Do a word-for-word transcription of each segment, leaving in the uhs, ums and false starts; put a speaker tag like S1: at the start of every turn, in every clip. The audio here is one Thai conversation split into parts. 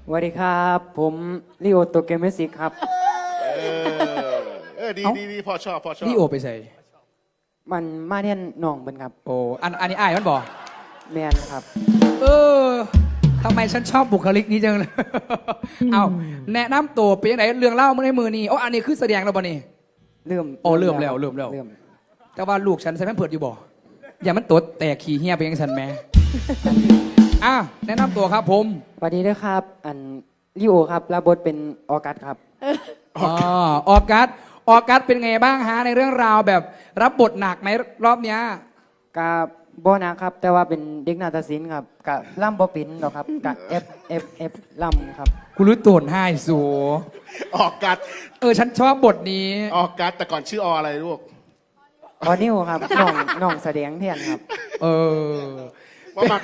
S1: สวัสดีครับผมลิโอโตเกเมสิกครับ
S2: เออเออดี
S3: เอ้า
S2: ดีดีพอชอบพอชอบ
S3: นี่โอไปใส่
S1: มันมาเรียนหน่องเป็นครับ
S3: โอ้อันอันนี้อายมันบอก
S1: แมนครับ
S3: เออทำไมฉันชอบบุคลิกนี้จังเลย เอาแนะนำตัวเป็นยังไงเรื่องเล่าเมื่อในมือนี่โอ้อันนี้คือแสดงแล้วบ่นี่
S1: เริ่ม
S3: โอ้เริ่มแล้วเริ่มแล้ว
S1: เริ่ม
S3: แต่ว่าลูกฉันใส่แม่นเผิดอยู่บ่อย่ามันตดแตกขี้เหี้ยไปยังฉันแม่ อ่ะแนะนำตัวครับผม
S1: สวัสดีด้วยครับ อันลิโอครับรับบทเป็นออกัสครับ
S3: อ๋อออกัสออกัสเป็นไงบ้างฮะในเรื่องราวแบบรับบทหนักไหมรอบเนี้ย
S1: กับบอนะครับ แต่ว่าเป็นเด็กนาฏศิลป์ครับกับล่ำบอปินหรอกครับกับเอฟเอฟเอฟล่ำครับ
S3: กูรู้ตัวให้สู
S2: ออกกัด
S3: เออฉันชอบบทนี้
S2: ออกกัดแต่ก่อนชื่อออะไรลูก
S1: ออนิวครับน้องน้องแสดงแทนครับ
S3: เออ
S2: ว่ามัก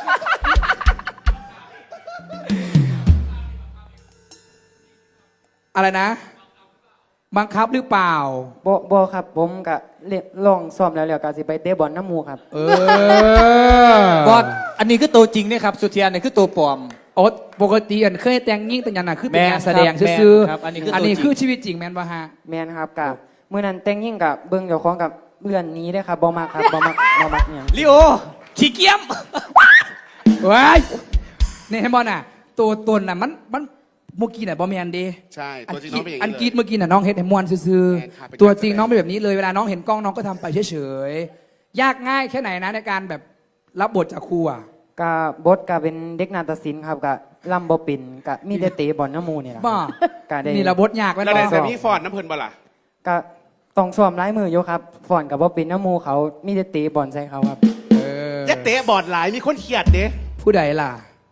S3: อะไรนะ บังคับหรือเปล่า
S1: บอบอครับผมกับเล่นลองซ้อมแล้วแล้วก็สิไปเตะบอลน้ำหมูครับ
S3: เออบ
S4: อสอันนี้คือตัวจริงเนี่ยครับสุเทียนนี่คือตัวปลอม
S3: โอ๊ตปกติอันเคยแต่งยิ่งแต่งยันน่ะคือเป็น
S4: แม่น
S3: งานแสดง
S4: ครับ
S3: ซื่อ
S4: แม่นครับอันนี้คือ
S3: อันนี้
S4: ตัวจริง
S3: คือชีวิตจริงแมนปะฮะ
S1: แมนครับกับเมื่อนั้นแต่งยิ่งกับเบิ้งเจ้าของกับเลื่อนหนี้ได้อครับบอมักครับบอมักบอมักเนี่ย
S4: ลิโอขี้เกียม
S3: ว้ายนี่เห็นบอลน่ะ ตัวตนน่ะมันมันเมื่อกี้น่ะบอแมนเดี
S2: ใช่
S3: อั
S2: ตั
S3: น
S2: วจริง
S3: กรี
S2: น้องเป็นอย่าง
S3: อัน
S2: นี้
S3: กรีด
S2: เลย
S3: เมื่อกี้น่ะน้องเห็นให้มวนซื่อ
S2: แม่นครับเป็น
S3: ๆตัวจริง
S2: การแสดง
S3: น้องเป็นแบบนี้เลยเวลาน้องเห็นกล้องน้องก็ทำไปเฉยๆยากง่ายแค่ไหนนะในการแบบรับบทจากครูอ่ะ
S1: กับบทกับเป็นเด็กนาฏศิลป์ครับกับล่ำบอปินกับมีแต่เตะบอลน้ำหมูเนี่ยแหละครับ
S3: บ้า
S1: ก็ได้
S3: นี่ระบทยากแม่น
S2: แล้ว
S3: บ่
S2: ในแบบนี้ฟอนน้ำเพลินบ่ล่ะ
S1: ก็ต้องซ้อมร้ายมืออยู่ครับฝอนกับบอปินน้ำหมูเขามีแต่เตะบอลใส่เขาครับ
S3: เออ
S2: ยัดเตะบอดหลายมีคนเขียดเด้
S3: ผู้ใดล่ะ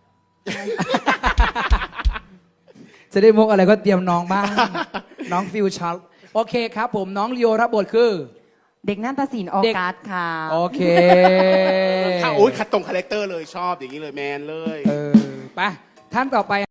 S3: จะได้มุกอะไรก็เตรียมน้องบ้าง น้องฟิวชัลโอเคครับผมน้องลีโอรับบทคือ
S1: เด็กนาฏศิลป์ออ
S3: เด็ก
S1: กัสค่ะ
S3: โอเค
S2: ข้าโอ้ยขัดตรงคาแรคเตอร์เลยชอบอย่างนี้เลยแมนเลย
S3: เออไปท่านต่อไป